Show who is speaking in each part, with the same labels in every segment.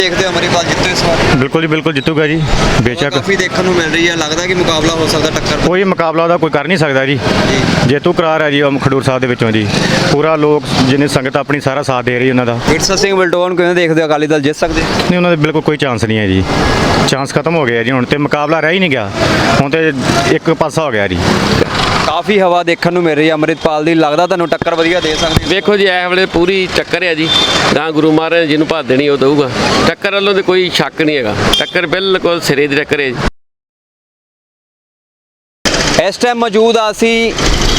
Speaker 1: देखते हो अमरीपाल जितू इस बार?
Speaker 2: बिल्कुल जी बिल्कुल जितूगा जी बेशक।
Speaker 1: काफी देखने को मिल रही है, लगता है कि मुकाबला हो सकता टक्कर
Speaker 2: कोई मुकाबला ਉਹਦਾ ਕੋਈ ਕਰ ਨਹੀਂ ਸਕਦਾ ਜੀ। ਜੇਤੂ ਕਰਾਰ ਹੈ ਜੀ ਉਹ ਖਡੂਰ ਸਾਹਿਬ ਦੇ ਵਿੱਚੋਂ ਜੀ। ਪੂਰਾ ਲੋਕ ਜਿੰਨੇ ਸੰਗਤ ਆਪਣੀ ਸਾਰਾ ਸਾਥ ਦੇ ਰਹੀ ਉਹਨਾਂ ਦਾ।
Speaker 1: ਵਿਰਸਾ ਸਿੰਘ ਵਲਟੋਆ ਨੂੰ ਕਿਵੇਂ ਦੇਖਦੇ ਹੋ, ਅਕਾਲੀ ਦਲ ਜਿੱਤ ਸਕਦੇ?
Speaker 2: ਨਹੀਂ ਉਹਨਾਂ ਦੇ ਬਿਲਕੁਲ ਕੋਈ ਚਾਂਸ ਨਹੀਂ ਹੈ ਜੀ। ਚਾਂਸ ਖਤਮ ਹੋ ਗਿਆ ਜੀ ਹੁਣ ਤੇ ਮੁਕਾਬਲਾ ਰਹਿ ਹੀ ਨਹੀਂ ਗਿਆ। ਹੁਣ ਤੇ ਇੱਕ ਪਾਸਾ ਹੋ ਗਿਆ ਜੀ।
Speaker 1: ਕਾਫੀ ਹਵਾ ਦੇਖਣ ਨੂੰ ਮਿਲ ਰਹੀ ਹੈ ਅਮਰਿਤਪਾਲ ਦੀ, ਲੱਗਦਾ ਤੁਹਾਨੂੰ ਟੱਕਰ ਵਧੀਆ ਦੇ ਸਕਦੇ?
Speaker 3: ਵੇਖੋ ਜੀ ਇਸ ਵੇਲੇ ਪੂਰੀ ਟੱਕਰ ਹੈ ਜੀ। ਗਾਂ ਗੁਰੂ ਮਹਾਰਾਜ ਜਿਹਨੂੰ ਭਾਅ ਦੇਣੀ ਉਹ ਦਊਗਾ। ਟੱਕਰ ਵੱਲੋਂ ਤੇ ਕੋਈ ਸ਼ੱਕ ਨਹੀਂ ਹੈਗਾ, ਟੱਕਰ ਬਿਲਕੁਲ ਸਿਰੇ ਦੀ ਟੱਕਰ ਹੈ ਜੀ।
Speaker 1: ਇਸ ਟਾਈਮ ਮੌਜੂਦ ਆ ਅਸੀਂ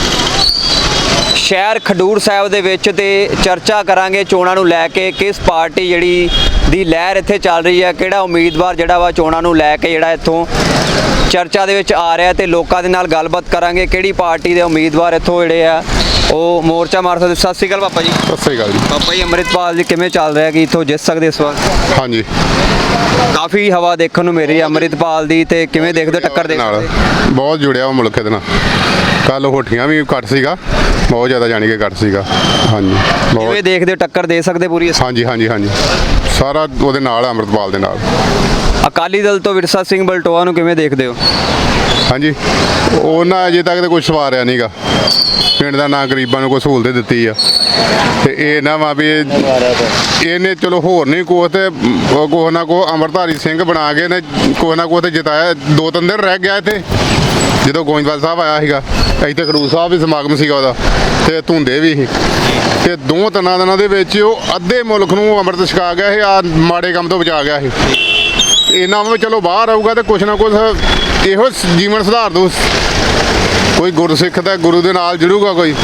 Speaker 1: ਸ਼ਹਿਰ ਖਡੂਰ ਸਾਹਿਬ ਦੇ ਵਿੱਚ ਤੇ ਚਰਚਾ ਕਰਾਂਗੇ ਚੋਣਾਂ ਨੂੰ ਲੈ ਕੇ, ਕਿਸ ਪਾਰਟੀ ਜਿਹੜੀ ਦੀ ਲਹਿਰ ਇੱਥੇ ਚੱਲ ਰਹੀ ਹੈ, ਕਿਹੜਾ ਉਮੀਦਵਾਰ ਜਿਹੜਾ ਵਾ ਚੋਣਾਂ ਨੂੰ ਲੈ ਕੇ ਜਿਹੜਾ ਇੱਥੋਂ ਚਰਚਾ ਦੇ ਵਿੱਚ ਆ ਰਿਹਾ ਤੇ ਲੋਕਾਂ ਦੇ ਨਾਲ ਗੱਲਬਾਤ ਕਰਾਂਗੇ ਕਿਹੜੀ ਪਾਰਟੀ ਦੇ ਉਮੀਦਵਾਰ ਇੱਥੋਂ ਜਿਹੜੇ ਆ ਉਹ ਮੋਰਚਾ ਮਾਰ ਸਕਦੇ। ਸਤਿ ਸ਼੍ਰੀ ਅਕਾਲ ਪਾਪਾ ਜੀ।
Speaker 4: ਸਤਿ ਸ੍ਰੀ ਅਕਾਲ ਜੀ।
Speaker 1: ਪਾਪਾ ਜੀ ਅਮਰਿਤਪਾਲ ਜੀ ਕਿਵੇਂ ਚੱਲ ਰਿਹਾ ਕਿ ਇੱਥੋਂ ਜਿੱਤ ਸਕਦੇ ਇਸ ਵਾਰ?
Speaker 4: ਹਾਂਜੀ
Speaker 1: ਕਾਫੀ ਹਵਾ ਦੇਖਣ ਨੂੰ ਮਿਲ ਰਹੀ ਹੈ ਅਮਰਿਤਪਾਲ ਦੀ, ਤੇ ਕਿਵੇਂ ਦੇਖਦੇ ਹੋ ਟੱਕਰ ਦੇ
Speaker 4: ਨਾਲ ਬਹੁਤ ਜੁੜਿਆ ਉਹ ਮੁਲਕ ਦੇ ਨਾਲ। ਕੱਲ ਹੋਠੀਆਂ ਵੀ ਘੱਟ ਸੀਗਾ, ਬਹੁਤ ਜ਼ਿਆਦਾ ਜਾਣੀ ਕਿ ਘੱਟ ਸੀਗਾ। ਹਾਂਜੀ ਬਹੁਤ।
Speaker 1: ਕਿਵੇਂ ਦੇਖਦੇ ਹੋ ਟੱਕਰ ਦੇ ਸਕਦੇ ਪੂਰੀ ਇਸ?
Speaker 4: ਹਾਂਜੀ ਹਾਂਜੀ ਹਾਂਜੀ ਸਾਰਾ ਉਹਦੇ ਨਾਲ ਅੰਮ੍ਰਿਤਪਾਲ ਦੇ ਨਾਲ।
Speaker 1: ਅਕਾਲੀ ਦਲ ਤੋਂ ਵਿਰਸਾ ਸਿੰਘ ਵਲਟੋਆ ਨੂੰ ਕਿਵੇਂ ਦੇਖਦੇ ਹੋ?
Speaker 4: ਹਾਂਜੀ ਉਹਨਾਂ ਅਜੇ ਤੱਕ ਤਾਂ ਕੁਝ ਸਵਾਰਿਆ ਨਹੀਂਗਾ। ਪਿੰਡ ਦਾ ਨਾਂ ਗਰੀਬਾਂ ਨੂੰ ਕੋਈ ਸਹੂਲਤ ਦਿੱਤੀ ਆ ਤੇ ਇਹ ਨਾ ਵਾ ਵੀ ਇਹਨੇ ਚਲੋ ਹੋਰ ਨਹੀਂ ਕੁਛ ਤੇ ਕੁਛ ਨਾ ਕੁਛ ਅੰਮ੍ਰਿਤਧਾਰੀ ਸਿੰਘ ਬਣਾ ਕੇ ਨੇ ਕੁਛ ਨਾ ਕੁਛ ਤੇ ਜਿਤਾਇਆ। 2-3 ਦਿਨ ਰਹਿ ਗਿਆ ਇੱਥੇ ਜਦੋਂ ਗੋਇੰਦਵਾਲ ਸਾਹਿਬ ਆਇਆ ਸੀਗਾ। ਇੱਥੇ ਖਡੂਰ ਸਾਹਿਬ ਵੀ ਸਮਾਗਮ ਸੀਗਾ ਉਹਦਾ ਤੇ ਧੁੰਦੇ ਵੀ ਸੀ ਤੇ 2-3 ਦਿਨਾਂ ਦੇ ਵਿੱਚ ਉਹ ਅੱਧੇ ਮੁਲਕ ਨੂੰ ਅੰਮ੍ਰਿਤ ਛਕਾ ਗਿਆ ਸੀ। ਆ ਮਾੜੇ ਕੰਮ ਤੋਂ ਬਚਾ ਗਿਆ ਸੀ। ਇਹਨਾਂ ਵਿੱਚ ਚਲੋ ਬਾਹਰ ਆਊਗਾ ਤੇ ਕੁਛ ਨਾ ਕੁਛ ਇਹੋ ਜੀਵਨ ਸੁਧਾਰ ਦੂ। ਕੋਈ ਗੁਰਸਿੱਖ ਦਾ ਗੁਰੂ ਦੇ ਨਾਲ ਜੁੜੂਗਾ ਕੋਈ।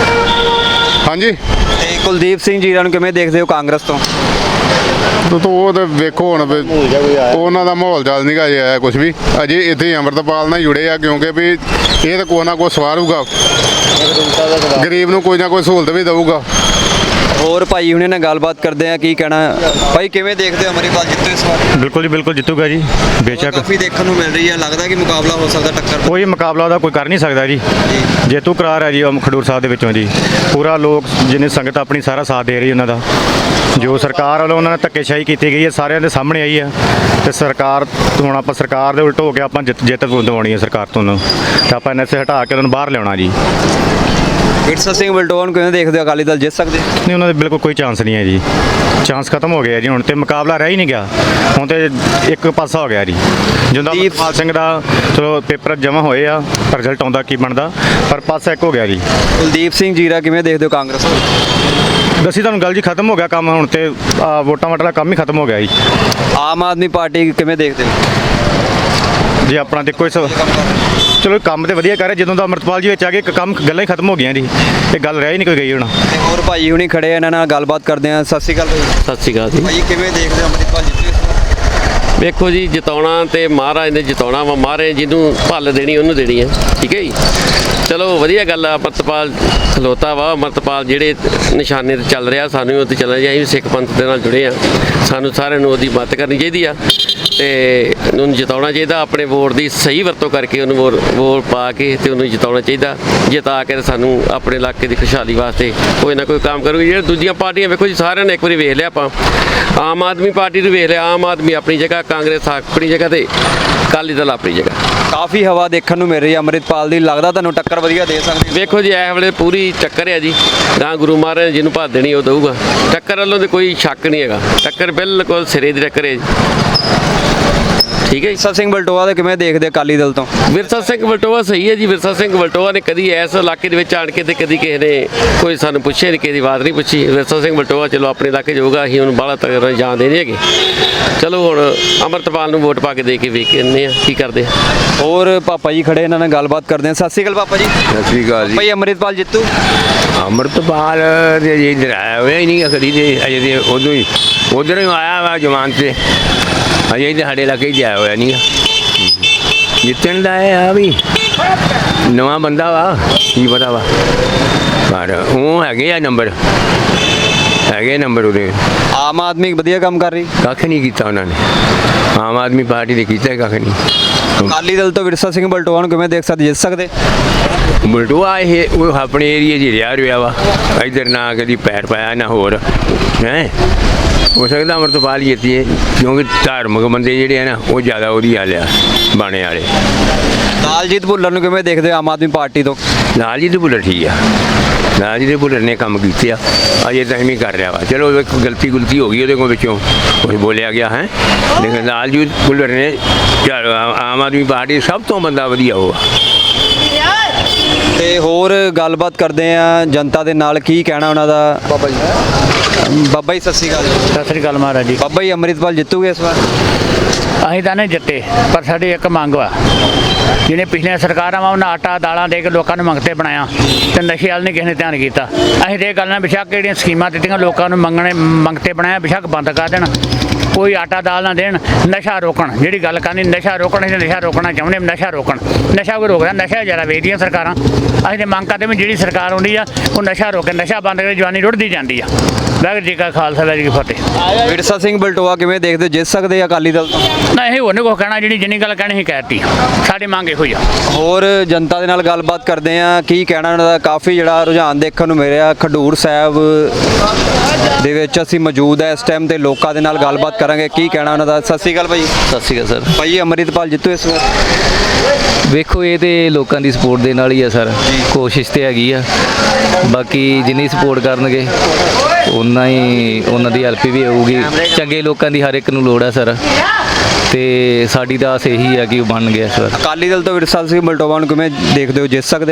Speaker 4: ਹਾਂਜੀ
Speaker 1: ਤੇ ਕੁਲਦੀਪ ਸਿੰਘ ਜੀਰਾ ਨੂੰ ਕਿਵੇਂ ਦੇਖਦੇ ਹੋ ਕਾਂਗਰਸ ਤੋਂ?
Speaker 4: ਉਹ ਤਾਂ ਵੇਖੋ ਹੁਣ ਵੀ ਉਹਨਾਂ ਦਾ ਮਾਹੌਲ ਚੱਲ ਨਹੀਂ ਗਾ ਅਜੇ ਆਇਆ ਕੁਛ ਵੀ। ਅਜੇ ਇੱਥੇ ਅੰਮ੍ਰਿਤਪਾਲ ਨਾਲ ਜੁੜੇ ਆ ਕਿਉਂਕਿ ਵੀ ਇਹ ਤਾਂ ਕੋਈ ਨਾ ਕੋਈ ਸਵਾਰੂਗਾ, ਗਰੀਬ ਨੂੰ ਕੋਈ ਨਾ ਕੋਈ ਸਹੂਲਤ ਵੀ ਦਊਗਾ।
Speaker 1: ਹੋਰ ਭਾਈ ਹੁਣੇ ਨਾਲ ਗੱਲਬਾਤ ਕਰਦੇ ਆ, ਕੀ ਕਹਿਣਾ ਭਾਈ ਕਿਵੇਂ ਦੇਖਦੇ ਹੋ ਅਮਰਿਤਪਾਲ ਜਿੱਤੂ ਇਸ ਵਾਰ?
Speaker 2: ਬਿਲਕੁਲ ਜੀ ਬਿਲਕੁਲ ਜਿੱਤੂਗਾ ਜੀ ਬੇਸ਼ੱਕ।
Speaker 1: ਕਾਫੀ ਦੇਖਣ ਨੂੰ ਮਿਲ ਰਹੀ ਹੈ, ਲੱਗਦਾ ਕਿ ਮੁਕਾਬਲਾ ਹੋ ਸਕਦਾ ਟੱਕਰ?
Speaker 2: ਕੋਈ ਮੁਕਾਬਲਾ ਉਹਦਾ ਕੋਈ ਕਰ ਨਹੀਂ ਸਕਦਾ ਜੀ। ਜੇਤੂ ਕਰਾਰ ਹੈ ਜੀ ਉਹ ਖਡੂਰ ਸਾਹਿਬ ਦੇ ਵਿੱਚੋਂ ਜੀ। ਪੂਰਾ ਲੋਕ ਜਿੰਨੇ ਸੰਗਤ ਆਪਣੀ ਸਾਰਾ ਸਾਥ ਦੇ ਰਹੀ ਉਹਨਾਂ ਦਾ। ਜੋ ਸਰਕਾਰ ਵੱਲੋਂ ਉਹਨਾਂ ਨੇ ਧੱਕੇਸ਼ਾਹੀ ਕੀਤੀ ਗਈ ਹੈ ਸਾਰਿਆਂ ਦੇ ਸਾਹਮਣੇ ਆਈ ਹੈ ਤੇ ਸਰਕਾਰ ਹੁਣ ਆਪਾਂ ਸਰਕਾਰ ਦੇ ਉਲਟ ਹੋ ਕੇ ਆਪਾਂ ਜਿੱਤ ਦਿਵਾਉਣੀ ਹੈ ਸਰਕਾਰ ਤੋਂ ਤੇ ਆਪਾਂ ਐਨਐਸਏ ਹਟਾ ਕੇ ਉਹਨਾਂ ਨੂੰ ਬਾਹਰ ਲਿਆਉਣਾ ਜੀ।
Speaker 1: ਵਿਰਸਾ ਸਿੰਘ ਵਲਟੋਆ ਨੂੰ ਕਿਵੇਂ ਦੇਖਦੇ ਹੋ, ਅਕਾਲੀ ਦਲ ਜਿੱਤ ਸਕਦੇ?
Speaker 2: ਨਹੀਂ ਉਹਨਾਂ ਦੇ ਬਿਲਕੁਲ ਕੋਈ ਚਾਂਸ ਨਹੀਂ ਹੈ ਜੀ। ਚਾਂਸ ਖਤਮ ਹੋ ਗਿਆ ਜੀ ਹੁਣ ਤੇ ਮੁਕਾਬਲਾ ਰਹਿ ਹੀ ਨਹੀਂ ਗਿਆ। ਹੁਣ ਤੇ ਇੱਕ ਪਾਸਾ ਹੋ ਗਿਆ ਜੀ। ਜਿੰਦਾ ਅਮਰਿਤਪਾਲ ਸਿੰਘ ਦਾ ਚਲੋ ਪੇਪਰ ਜਮ੍ਹਾਂ ਹੋਏ ਆ, ਰਿਜ਼ਲਟ ਆਉਂਦਾ ਕੀ ਬਣਦਾ, ਪਰ ਪਾਸਾ ਇੱਕ ਹੋ ਗਿਆ ਜੀ।
Speaker 1: ਕੁਲਦੀਪ ਸਿੰਘ ਜੀਰਾ ਕਿਵੇਂ ਦੇਖਦੇ ਹੋ ਕਾਂਗਰਸ ਤੋਂ?
Speaker 2: ਦੱਸੀ ਤੁਹਾਨੂੰ ਗੱਲ ਜੀ, ਖਤਮ ਹੋ ਗਿਆ ਕੰਮ ਹੁਣ ਤੇ ਵੋਟਾਂ ਵਾਟਾ ਦਾ ਕੰਮ ਹੀ ਖਤਮ ਹੋ ਗਿਆ ਜੀ।
Speaker 1: ਆਮ ਆਦਮੀ ਪਾਰਟੀ ਕਿਵੇਂ ਦੇਖਦੇ ਹੋ?
Speaker 2: ਜੀ ਆਪਣਾ ਦੇਖੋ ਇਸ ਚਲੋ ਕੰਮ ਤੇ ਵਧੀਆ ਕਰ ਰਿਹਾ। ਜਦੋਂ ਦਾ ਅਮਰਿਤਪਾਲ ਜੀ ਵਿੱਚ ਆ ਗਏ ਕੰਮ ਗੱਲਾਂ ਹੀ ਖਤਮ ਹੋ ਗਈਆਂ ਜੀ। ਇਹ ਗੱਲ ਰਹਿ ਹੀ ਨਹੀਂ ਕੋਈ ਗਈ ਹੁਣ।
Speaker 1: ਤੇ ਹੋਰ ਭਾਈ ਹੁਣੀ ਖੜੇ ਆ, ਇਹਨਾਂ ਨਾਲ ਗੱਲਬਾਤ ਕਰਦੇ ਆ। ਸਤਿ ਸ਼੍ਰੀ ਅਕਾਲ ਭਾਈ।
Speaker 3: ਸਤਿ ਸ਼੍ਰੀ ਅਕਾਲ ਜੀ।
Speaker 1: ਭਾਈ ਕਿਵੇਂ ਦੇਖਦੇ ਹੋ ਅਮਰਿਤਪਾਲ ਜਿੱਤੂ ਇਸ ਵਾਰ?
Speaker 3: ਵੇਖੋ ਜੀ ਜਿਤਾਉਣਾ ਤੇ ਮਹਾਰਾਜ ਨੇ ਜਿਤਾਉਣਾ ਵਾ। ਮਹਾਰਾਜ ਜਿਹਨੂੰ ਭੱਲ ਦੇਣੀ ਉਹਨੂੰ ਦੇਣੀ ਹੈ। ਠੀਕ ਹੈ ਜੀ। ਚਲੋ ਵਧੀਆ ਗੱਲ ਆ। ਅਮਰਿਤਪਾਲ ਖਲੋਤਾ ਵਾ। ਅਮਰਿਤਪਾਲ ਜਿਹੜੇ ਨਿਸ਼ਾਨੇ ਤੇ ਚੱਲ ਰਿਹਾ ਸਾਨੂੰ ਉਹ ਤੇ ਚੱਲਣਾ ਚਾਹੀਦਾ। ਅਸੀਂ ਸਿੱਖ ਪੰਥ ਦੇ ਨਾਲ ਜੁੜੇ ਆ, ਸਾਨੂੰ ਸਾਰਿਆਂ ਨੂੰ ਉਹਦੀ ਮਦਦ ਕਰਨੀ ਚਾਹੀਦੀ ਆ ਤੇ ਉਹਨੂੰ ਜਿਤਾਉਣਾ ਚਾਹੀਦਾ। ਆਪਣੇ ਵੋਟ ਦੀ ਸਹੀ ਵਰਤੋਂ ਕਰਕੇ ਉਹਨੂੰ ਵੋਟ ਪਾ ਕੇ ਤੇ ਉਹਨੂੰ ਜਿਤਾਉਣਾ ਚਾਹੀਦਾ। ਜਿਤਾ ਕੇ ਸਾਨੂੰ ਆਪਣੇ ਇਲਾਕੇ ਦੀ ਖੁਸ਼ਹਾਲੀ ਵਾਸਤੇ ਕੋਈ ਨਾ ਕੋਈ ਕੰਮ ਕਰੂਗੀ। ਜਿਹੜੇ ਦੂਜੀਆਂ ਪਾਰਟੀਆਂ ਵੇਖੋ ਜੀ ਸਾਰਿਆਂ ਨੇ ਇੱਕ ਵਾਰੀ ਵੇਖ ਲਿਆ ਆਪਾਂ। ਆਮ ਆਦਮੀ ਪਾਰਟੀ ਨੂੰ ਵੇਖ ਲਿਆ। ਆਮ ਆਦਮੀ ਆਪਣੀ ਜਗ੍ਹਾ, ਕਾਂਗਰਸ ਆਪਣੀ ਜਗ੍ਹਾ ਤੇ ਅਕਾਲੀ ਦਲ ਆਪਣੀ ਜਗ੍ਹਾ।
Speaker 1: ਕਾਫੀ ਹਵਾ ਦੇਖਣ ਨੂੰ ਮਿਲ ਰਹੀ ਹੈ ਅਮਰਿਤਪਾਲ ਦੀ, ਲੱਗਦਾ ਤੁਹਾਨੂੰ ਟੱਕਰ ਵਧੀਆ ਦੇ ਸਕਦੀ?
Speaker 3: ਵੇਖੋ ਜੀ ਇਸ ਵੇਲੇ ਪੂਰੀ ਟੱਕਰ ਹੈ ਜੀ। ਗਾਂ ਗੁਰੂ ਮਹਾਰਾਜ ਜਿਹਨੂੰ ਭਾਅ ਦੇਣੀ ਉਹ ਦਊਗਾ। ਟੱਕਰ ਵੱਲੋਂ ਤੇ ਕੋਈ ਸ਼ੱਕ ਨਹੀਂ ਹੈਗਾ, ਟੱਕਰ ਬਿਲਕੁਲ ਸਿਰੇ ਦੀ ਟੱਕਰ ਹੈ ਜੀ। ਠੀਕ ਹੈ ਜੀ।
Speaker 1: ਵਿਰਸਾ ਸਿੰਘ ਵਲਟੋਆ ਦੇ ਕਿਵੇਂ ਦੇਖਦੇ ਅਕਾਲੀ ਦਲ ਤੋਂ?
Speaker 3: ਵਿਰਸਾ ਸਿੰਘ ਵਲਟੋਆ ਸਹੀ ਹੈ ਜੀ। ਵਿਰਸਾ ਸਿੰਘ ਵਲਟੋਆ ਨੇ ਕਦੀ ਇਸ ਇਲਾਕੇ ਦੇ ਵਿੱਚ ਆਣ ਕੇ ਤੇ ਕਦੀ ਕਿਸੇ ਨੇ ਕੋਈ ਸਾਨੂੰ ਪੁੱਛਿਆ ਨਹੀਂ, ਕਿਸੇ ਦੀ ਆਵਾਜ਼ ਨਹੀਂ ਪੁੱਛੀ। ਵਿਰਸਾ ਸਿੰਘ ਵਲਟੋਆ ਚਲੋ ਆਪਣੇ ਇਲਾਕੇ ਜਾਊਗਾ, ਅਸੀਂ ਉਹਨੂੰ ਬਾਹਲਾ ਤਗੜਾ ਜਾਣਦੇ ਨਹੀਂ ਹੈਗੇ। ਚਲੋ ਹੁਣ ਅੰਮ੍ਰਿਤਪਾਲ ਨੂੰ ਵੋਟ ਪਾ ਕੇ ਦੇ ਕੇ ਵੇਖ ਕੇ ਆਉਂਦੇ ਆ ਕੀ ਕਰਦੇ ਆ।
Speaker 1: ਹੋਰ ਪਾਪਾ ਜੀ ਖੜੇ, ਇਹਨਾਂ ਨਾਲ ਗੱਲਬਾਤ ਕਰਦੇ ਆ। ਸਤਿ ਸ਼੍ਰੀ ਅਕਾਲ ਪਾਪਾ ਜੀ।
Speaker 5: ਸਤਿ ਸ਼੍ਰੀ ਅਕਾਲ ਜੀ।
Speaker 1: ਭਾਈ ਅਮਰਿਤਪਾਲ ਜਿੱਤੂ?
Speaker 5: ਅੰਮ੍ਰਿਤਪਾਲ ਦੇ ਜੀ ਇੱਧਰ ਆਇਆ ਹੋਇਆ ਹੀ ਨਹੀਂ ਕਦੀ ਤੇ ਅਜੇ ਤੇ ਉਧਰ ਹੀ ਆਇਆ ਵਾ ਜਮਾਨ ਤੇ। ਅਜੇ ਤੇ ਸਾਡੇ ਇਲਾਕੇ ਹੀ ਆਇਆ ਹੋਇਆ ਨਹੀਂ ਜਿੱਤਣ ਦਾ ਆ ਵੀ ਨਵਾਂ ਬੰਦਾ ਵਾ, ਕੀ ਪਤਾ ਵਾ ਪਰ ਉਹ ਹੈਗੇ ਆ ਨੰਬਰ ਉਹਦੇ।
Speaker 1: ਆਮ ਆਦਮੀ ਵਧੀਆ ਕੰਮ ਕਰ ਰਹੀ?
Speaker 5: ਕੱਖ ਨਹੀਂ ਕੀਤਾ ਉਹਨਾਂ ਨੇ। ਆਮ ਆਦਮੀ ਪਾਰਟੀ ਨੇ ਕੀਤਾ ਕੱਖ ਨਹੀਂ।
Speaker 1: ਅਕਾਲੀ ਦਲ ਤੋਂ ਵਿਰਸਾ ਸਿੰਘ ਵਲਟੋਆ ਨੂੰ ਕਿਵੇਂ ਦੇਖ ਸਕਦੇ, ਜਿੱਤ ਸਕਦੇ?
Speaker 5: ਬਲਟੋਆ ਇਹ ਉਹ ਆਪਣੇ ਏਰੀਏ 'ਚ ਰਿਹਾ ਵਾ। ਇੱਧਰ ਨਾ ਕਦੀ ਪੈਰ ਪਾਇਆ ਨਾ ਹੋਰ ਹੈ। ਹੋ ਸਕਦਾ ਅੰਮ੍ਰਿਤਪਾਲ ਜਿੱਤੀਏ, ਕਿਉਂਕਿ ਧਾਰਮਿਕ ਬੰਦੇ ਜਿਹੜੇ ਆ ਨਾ ਉਹ ਜ਼ਿਆਦਾ ਉਹਦੀ ਹਾਲ ਆ ਬਾਣੇ ਵਾਲੇ।
Speaker 1: ਲਾਲਜੀਤ ਭੁੱਲਰ ਨੂੰ ਕਿਵੇਂ ਦੇਖਦੇ ਹੋ ਆਮ ਆਦਮੀ ਪਾਰਟੀ ਤੋਂ?
Speaker 5: ਲਾਲਜੀਤ ਭੁੱਲਰ ਠੀਕ ਆ, ਲਾਲਜੀਤ ਭੁੱਲਰ ਨੇ ਕੰਮ ਕੀਤੇ ਆ, ਅਜੇ ਟਾਈਮ ਹੀ ਕਰ ਰਿਹਾ ਵਾ। ਚਲੋ ਇੱਕ ਗਲਤੀ ਹੋ ਗਈ ਉਹਦੇ ਕੋਲ, ਵਿੱਚੋਂ ਕੁਝ ਬੋਲਿਆ ਗਿਆ ਹੈ, ਲੇਕਿਨ ਲਾਲਜੀਤ ਭੁੱਲਰ ਨੇ ਆਮ ਆਦਮੀ ਪਾਰਟੀ ਸਭ ਤੋਂ ਬੰਦਾ ਵਧੀਆ ਉਹ ਆ।
Speaker 1: ਤੇ ਹੋਰ ਗੱਲਬਾਤ ਕਰਦੇ ਆ ਜਨਤਾ ਦੇ ਨਾਲ, ਕੀ ਕਹਿਣਾ ਉਹਨਾਂ ਦਾ। ਬਾਬਾ ਜੀ ਸਤਿ ਸ਼੍ਰੀ ਅਕਾਲ।
Speaker 6: ਸਤਿ ਸ੍ਰੀ ਅਕਾਲ ਮਹਾਰਾਜ ਜੀ।
Speaker 1: ਬਾਬਾ ਜੀ ਅੰਮ੍ਰਿਤਪਾਲ ਜਿੱਤੂਗੇ ਇਸ ਵਾਰ?
Speaker 6: ਅਸੀਂ ਤਾਂ ਨਹੀਂ ਜਿੱਤੇ, ਪਰ ਸਾਡੀ ਇੱਕ ਮੰਗ ਵਾ, ਜਿਹਨੇ ਪਿਛਲੀਆਂ ਸਰਕਾਰਾਂ ਵਾ ਉਹਨਾਂ ਆਟਾ ਦਾਲਾਂ ਦੇ ਕੇ ਲੋਕਾਂ ਨੂੰ ਮੰਗਤੇ ਬਣਾਇਆ ਤੇ ਨਸ਼ੇ ਵੱਲ ਨਹੀਂ ਕਿਸੇ ਨੇ ਧਿਆਨ ਕੀਤਾ। ਅਸੀਂ ਤੇ ਇਹ ਗੱਲ ਨਾਲ ਬੇਸ਼ੱਕ ਜਿਹੜੀਆਂ ਸਕੀਮਾਂ ਦਿੱਤੀਆਂ ਲੋਕਾਂ ਨੂੰ ਮੰਗਤੇ ਬਣਾਇਆ ਬੇਸ਼ੱਕ ਬੰਦ ਕਰ ਦੇਣ, ਕੋਈ ਆਟਾ ਦਾਲ ਨਾ ਦੇਣ, ਨਸ਼ਾ ਰੋਕਣ। ਜਿਹੜੀ ਗੱਲ ਕਰਨੀ ਨਸ਼ਾ ਰੋਕਣ, ਅਸੀਂ ਨਸ਼ਾ ਰੋਕਣਾ ਚਾਹੁੰਦੇ, ਨਸ਼ਾ ਰੋਕਣ। ਨਸ਼ਾ ਕੋਈ ਰੋਕਦਾ, ਨਸ਼ਾ ਜ਼ਿਆਦਾ ਵੇਚਦੀਆਂ ਸਰਕਾਰਾਂ। ਅਸੀਂ ਤੇ ਮੰਗ ਕਰਦੇ ਵੀ ਜਿਹੜੀ ਸਰਕਾਰ ਆਉਂਦੀ ਆ ਉਹ ਨਸ਼ਾ ਰੋਕੇ, ਨਸ਼ਾ ਬੰਦ ਕਰੇ, ਜਵਾਨੀ ਰੁੜਦੀ ਜਾਂਦੀ ਆ। ਵਾਹਿਗੁਰੂ ਜੀ ਕਾ ਖਾਲਸਾ ਵਾਹਿਗੁਰੂ ਜੀ ਕੀ ਫਤਿਹ।
Speaker 1: ਵਿਰਸਾ ਸਿੰਘ ਬਲਟੋਆ ਕਿਵੇਂ ਦੇਖਦੇ ਹੋ, ਜਿੱਤ ਸਕਦੇ ਆ ਅਕਾਲੀ ਦਲ ਤੋਂ?
Speaker 6: ਨਾ ਇਹ ਹੋਰ ਨਹੀਂ ਕੁਛ ਕਹਿਣਾ, ਜਿੰਨੀ ਗੱਲ ਕਹਿਣੀ ਸੀ ਕਹਿਤੀ, ਸਾਡੀ ਮੰਗ ਇਹੋ ਹੀ ਆ।
Speaker 1: ਹੋਰ ਜਨਤਾ ਦੇ ਨਾਲ ਗੱਲਬਾਤ ਕਰਦੇ ਆ, ਕੀ ਕਹਿਣਾ ਉਹਨਾਂ ਦਾ। ਕਾਫੀ ਜਿਹੜਾ ਰੁਝਾਨ ਦੇਖਣ ਨੂੰ ਮਿਲਿਆ ਖਡੂਰ ਸਾਹਿਬ ਦੇ ਵਿੱਚ ਅਸੀਂ ਮੌਜੂਦ ਹੈ ਇਸ ਟਾਈਮ ਤੇ ਲੋਕਾਂ ਦੇ ਨਾਲ ਗੱਲਬਾਤ ਕਰਾਂਗੇ, ਕੀ ਕਹਿਣਾ ਉਹਨਾਂ ਦਾ। ਸਤਿ ਸ਼੍ਰੀ ਅਕਾਲ ਭਾਈ।
Speaker 7: ਸਤਿ ਸ਼੍ਰੀ ਅਕਾਲ ਸਰ।
Speaker 1: ਭਾਈ ਅੰਮ੍ਰਿਤਪਾਲ ਜਿੱਤੂ ਇਸ ਵਾਰ?
Speaker 7: ਵੇਖੋ ਇਹ ਤੇ ਲੋਕਾਂ ਦੀ ਸਪੋਰਟ ਦੇ ਨਾਲ ਹੀ ਆ ਸਰ, ਕੋਸ਼ਿਸ਼ ਤੇ ਹੈਗੀ ਆ, ਬਾਕੀ ਜਿੰਨੀ ਸਪੋਰਟ ਕਰਨਗੇ ਉਨਾ ਹੀ ਉਹਨਾਂ ਦੀ ਹੈਲਪ ਵੀ ਹੋਊਗੀ। ਚੰਗੇ ਲੋਕਾਂ ਦੀ ਹਰ ਇੱਕ ਨੂੰ ਲੋੜ ਆ ਸਰ, ਤੇ ਸਾਡੀ ਤਾਂ ਆਸ ਇਹੀ ਆ ਕਿ ਉਹ ਬਣ ਗਿਆ ਇਸ ਵਾਰ।
Speaker 1: ਅਕਾਲੀ ਦਲ ਤੋਂ ਵਿਰਸਾ ਸਿੰਘ ਬਲਟੋਆ ਨੂੰ ਕਿਵੇਂ ਦੇਖਦੇ ਹੋ, ਜਿੱਤ ਸਕਦੇ?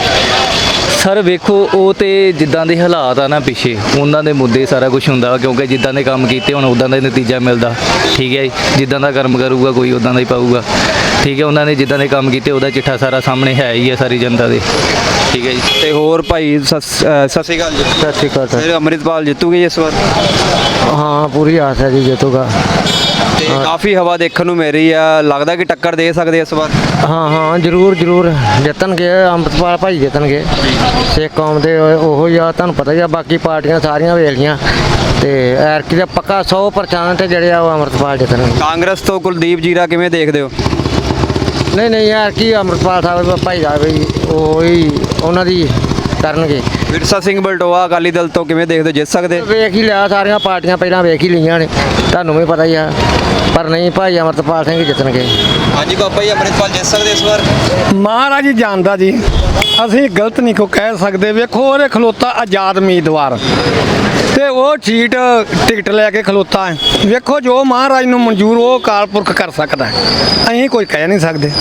Speaker 7: ਸਰ ਵੇਖੋ ਉਹ ਤੇ ਜਿੱਦਾਂ ਦੇ ਹਾਲਾਤ ਆ ਨਾ ਪਿੱਛੇ, ਉਹਨਾਂ ਦੇ ਮੁੱਦੇ ਸਾਰਾ ਕੁਝ ਹੁੰਦਾ ਵਾ, ਕਿਉਂਕਿ ਜਿੱਦਾਂ ਦੇ ਕੰਮ ਕੀਤੇ ਹੁਣ ਉਦਾਂ ਦਾ ਹੀ ਨਤੀਜਾ ਮਿਲਦਾ। ਠੀਕ ਹੈ ਜੀ, ਜਿੱਦਾਂ ਦਾ ਕਰਮ ਕਰੂਗਾ ਕੋਈ ਉਦਾਂ ਦਾ ਹੀ ਪਾਊਗਾ। ਠੀਕ ਹੈ, ਉਹਨਾਂ ਨੇ ਜਿੱਦਾਂ ਦੇ ਕੰਮ ਕੀਤੇ ਉਹਦਾ ਚਿੱਠਾ ਸਾਰਾ ਸਾਹਮਣੇ ਹੈ ਹੀ ਹੈ ਸਾਰੀ ਜਨਤਾ ਦੇ। ਠੀਕ ਹੈ ਜੀ।
Speaker 1: ਤੇ ਹੋਰ ਭਾਈ ਸਤਿ ਸ਼੍ਰੀ ਅਕਾਲ ਜੀ।
Speaker 8: ਸਤਿ ਸ਼੍ਰੀ ਅਕਾਲ ਸਰ।
Speaker 1: ਫਿਰ ਅੰਮ੍ਰਿਤਪਾਲ ਜਿੱਤੂਗੇ ਇਸ ਵਾਰ?
Speaker 8: ਹਾਂ ਪੂਰੀ ਆਸ ਹੈ ਜੀ ਜਿੱਤੂਗਾ।
Speaker 1: ਤੇ ਕਾਫੀ ਹਵਾ ਦੇਖਣ ਨੂੰ ਮਿਲ ਰਹੀ ਆ, ਲੱਗਦਾ ਕਿ ਟੱਕਰ ਦੇ ਸਕਦੇ ਇਸ ਵਾਰ?
Speaker 8: ਹਾਂ ਜ਼ਰੂਰ ਜਿੱਤਣਗੇ, ਅੰਮ੍ਰਿਤਪਾਲ ਭਾਈ ਜਿੱਤਣਗੇ। ਸਿੱਖ ਕੌਮ ਦੇ ਉਹੋ ਹੀ ਆ, ਤੁਹਾਨੂੰ ਪਤਾ ਹੀ ਆ। ਬਾਕੀ ਪਾਰਟੀਆਂ ਸਾਰੀਆਂ ਵੇਖ ਲਈਆਂ ਤੇ ਐਰਕੀ ਦਾ ਪੱਕਾ 100% ਜਿਹੜੇ ਆ ਉਹ ਅੰਮ੍ਰਿਤਪਾਲ ਜਿੱਤਣਗੇ।
Speaker 1: ਕਾਂਗਰਸ ਤੋਂ ਕੁਲਦੀਪ ਜੀਰਾ ਕਿਵੇਂ ਦੇਖਦੇ ਹੋ?
Speaker 8: ਨਹੀਂ ਯਾਰ ਕੀ ਅੰਮ੍ਰਿਤਪਾਲ ਸਾਹਿਬ ਭਾਈ ਦਾ ਵੀ ਉਹੀ ਉਹਨਾਂ ਦੀ ਕਰਨਗੇ।
Speaker 1: ਵਿਰਸਾ ਸਿੰਘ ਬਲਟੋਆ ਅਕਾਲੀ ਦਲ ਤੋਂ ਕਿਵੇਂ ਦੇਖਦੇ ਹੋ, ਜਿੱਤ ਸਕਦੇ?
Speaker 8: ਵੇਖ ਹੀ ਲਿਆ, ਸਾਰੀਆਂ ਪਾਰਟੀਆਂ ਪਹਿਲਾਂ ਵੇਖ ਹੀ ਲਈਆਂ ਨੇ, ਤੁਹਾਨੂੰ ਵੀ ਪਤਾ ਹੀ ਆ। ਪਰ ਨਹੀਂ ਭਾਈ ਅੰਮ੍ਰਿਤਪਾਲ ਸਿੰਘ ਜਿੱਤਣਗੇ।
Speaker 1: ਹਾਂਜੀ ਬਾਬਾ ਜੀ ਅੰਮ੍ਰਿਤਪਾਲ ਜਿੱਤ ਸਕਦੇ ਇਸ ਵਾਰ?
Speaker 9: ਮਹਾਰਾਜ ਜੀ ਜਾਣਦਾ ਜੀ, ਅਸੀਂ ਗਲਤ ਨਹੀਂ ਕੋ ਕਹਿ ਸਕਦੇ। ਵੇਖੋ ਉਹਦੇ ਖਲੋਤਾ ਆਜ਼ਾਦ ਉਮੀਦਵਾਰ ਤੇ ਉਹ ਸੀਟ ਟਿਕਟ ਲੈ ਕੇ ਖਲੋਤਾ ਹੈ। ਵੇਖੋ ਜੋ ਮਹਾਰਾਜ ਨੂੰ ਮਨਜ਼ੂਰ ਉਹ ਅਕਾਲ ਪੁਰਖ ਕਰ ਸਕਦਾ, ਅਸੀਂ ਕੋਈ ਕਹਿ ਨਹੀਂ ਸਕਦੇ।